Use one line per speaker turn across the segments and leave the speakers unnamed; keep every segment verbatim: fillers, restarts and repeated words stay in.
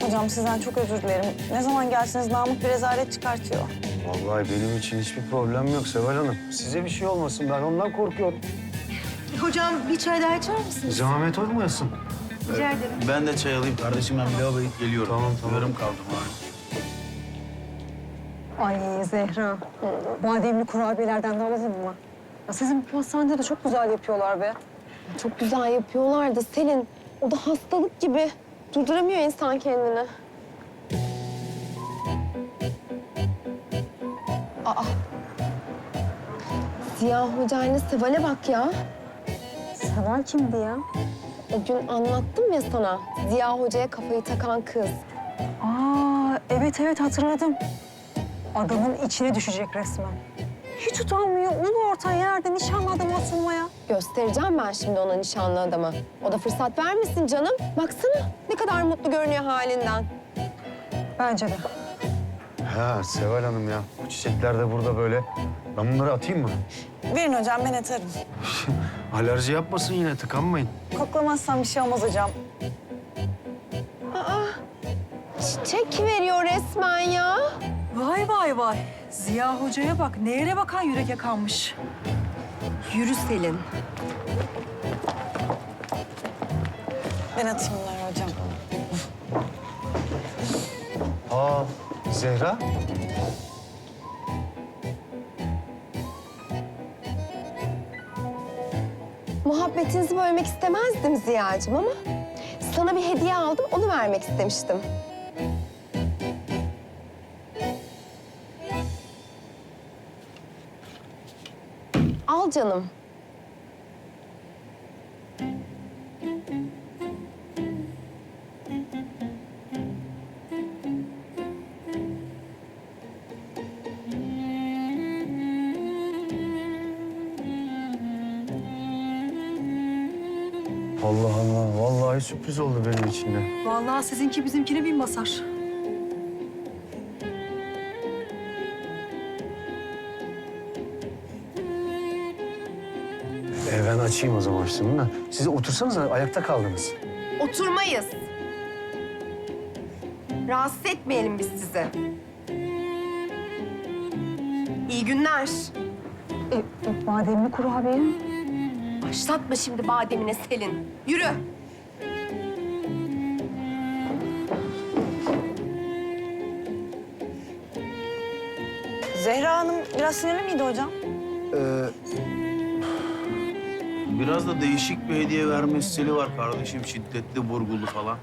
Hocam sizden çok özür dilerim. Ne zaman gelseniz Namık bir rezalet çıkartıyor.
Vallahi benim için hiçbir problem yok Seval Hanım. Size bir şey olmasın, ben ondan korkuyorum.
Hocam bir çay daha içer misiniz?
Zahmet olmayasın.
Rica ederim.
Ben de çay alayım kardeşim. Ben bir lavaboya gidip geliyorum.
Tamam, tamam.
Yarım kaldım abi.
Ay Zehra, bademli kurabiyelerden de alalım mı? Ya sizin pastanede de çok güzel yapıyorlar be.
Çok güzel yapıyorlar da Selin, o da hastalık gibi. Durduramıyor insan kendini. Aa. Ziya Hoca ile Seval'e bak ya.
Seval kimdi ya?
O gün anlattım ya sana. Ziya Hoca'ya kafayı takan kız.
Aa, evet evet hatırladım. Adamın içine düşecek resmen. Hiç utanmıyor, ulu orta yerde nişanlı adamı atılmaya.
Göstereceğim ben şimdi ona nişanlı adama. O da fırsat vermesin canım. Baksana ne kadar mutlu görünüyor halinden.
Bence de.
Ha Seval Hanım ya, bu çiçekler de burada böyle. Ben bunları atayım mı?
Verin hocam, ben atarım.
Alerji yapmasın yine, tıkanmayın.
Koklamazsam bir şey olmaz hocam.
Çiçek veriyor resmen ya.
Vay vay vay. Ziya Hoca'ya bak. Nehre bakan yürek yakanmış. Yürü Selin.
Ben atayım bunları hocam.
Aa, Zehra.
Muhabbetinizi bölmek istemezdim Ziya'cığım ama sana bir hediye aldım, onu vermek istemiştim. Al canım.
Allah Allah, vallahi sürpriz oldu benim için de.
Vallahi sizinki bizimkine bin basar.
E, ben açayım o zaman şimdi. Da. Siz otursanız ayakta kaldınız.
Oturmayız. Rahatsız etmeyelim biz sizi. İyi günler.
E, e, bademli kurabiye.
Başlatma şimdi bademine Selin. Yürü.
Zehra Hanım biraz sinirli miydi hocam?
Biraz da değişik bir hediye verme stili var kardeşim. Şiddetli, vurgulu falan.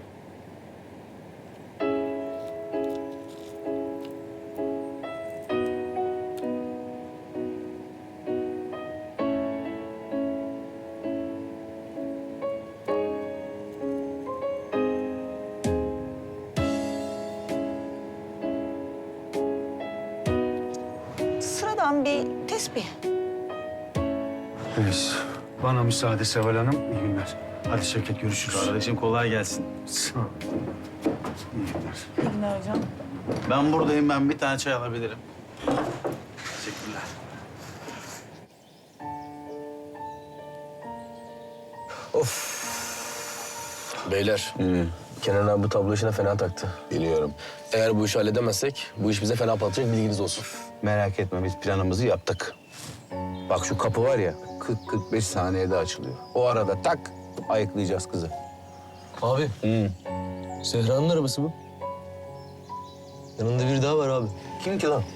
Sıradan bir tesbih.
Neyse. Bana müsaade Seval Hanım. İyi günler. Hadi Şevket, görüşürüz.
Kardeşim kolay gelsin.
Sağ ol. İyi günler.
İyi günler hocam.
Ben buradayım. Ben bir tane çay alabilirim. Teşekkürler.
Beyler, Kenan abi bu tablo işine fena taktı.
Biliyorum.
Eğer bu işi halledemezsek bu iş bize fena patlayacak, bilginiz olsun.
Merak etme, biz planımızı yaptık. Bak şu kapı var ya, kırk kırk beş saniyede açılıyor. O arada tak, ayıklayacağız kızı.
Abi,
Hı.
Zehra'nın arabası bu. Yanında biri daha var abi.
Kim ki lan?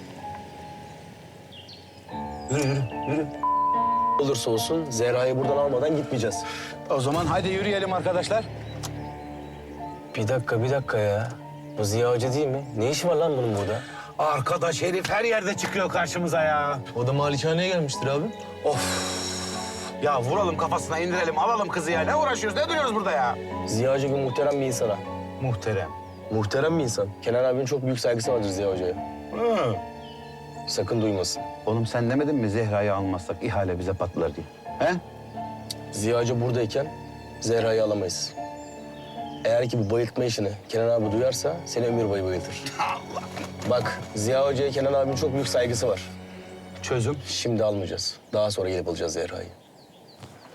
Yürü, yürü, yürü.
Olursa olsun Zehra'yı buradan almadan gitmeyeceğiz.
O zaman hadi yürüyelim arkadaşlar.
Bir dakika, bir dakika ya. Bu Ziya Hoca değil mi? Ne işi var lan bunun burada?
Arkadaş herif her yerde çıkıyor karşımıza ya.
O da malikaneye gelmiştir abi.
Ya vuralım kafasına, indirelim, alalım kızı ya. Ne uğraşıyoruz, ne duruyoruz burada ya?
Ziya Hoca gibi muhterem bir insana.
Muhterem.
Muhterem bir insan. Kenan abinin çok büyük saygısı vardır Ziya Hoca'ya.
Hı.
Sakın duymasın.
Oğlum sen demedin mi Zehra'yı almazsak ihale bize patlar diye? He?
Ziya Hoca buradayken Zehra'yı alamayız. Eğer ki bu bayıltma işini Kenan abi duyarsa seni ömür boyu bayıltır. Allah! Bak Ziya Hoca'ya Kenan abinin çok büyük saygısı var.
Çözüm.
Şimdi almayacağız. Daha sonra gelip alacağız Zehra'yı.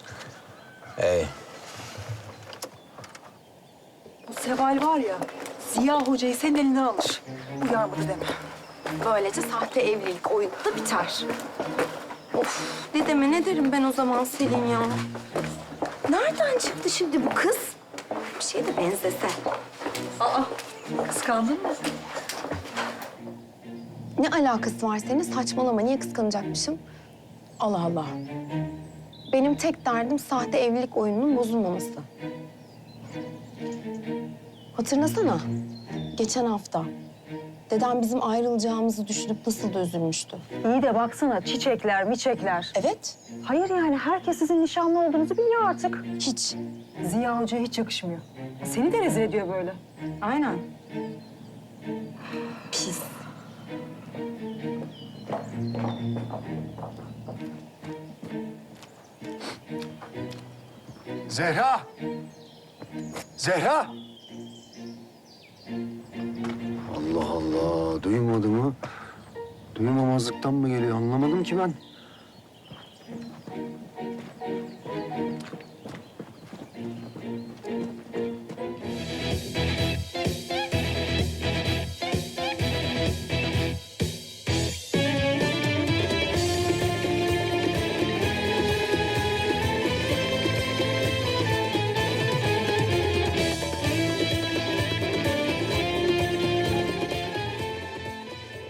Ey.
Bu Seval var ya, Ziya Hoca'yı senin elinden alır. Uyarmadı deme.
Böylece sahte evlilik oyunu da biter. Of, dedeme ne derim ben o zaman Selin ya? Nereden çıktı şimdi bu kız? Bir şeye de benzese.
Aa, kıskandın mı?
Ne alakası var senin? Saçmalama. Niye kıskanacakmışım? Allah Allah. Benim tek derdim sahte evlilik oyununun bozulmaması. Hatırlasana. Geçen hafta dedem bizim ayrılacağımızı düşünüp nasıl da üzülmüştü.
İyi de baksana çiçekler, miçekler.
Evet.
Hayır yani herkes sizin nişanlı olduğunuzu biliyor artık.
Hiç.
Ziya Hoca'ya hiç yakışmıyor. Seni de rezil ediyor böyle.
Aynen.
Pis.
Zehra! Zehra! Allah Allah, duymadı mı? Duymamazlıktan mı geliyor anlamadım ki ben.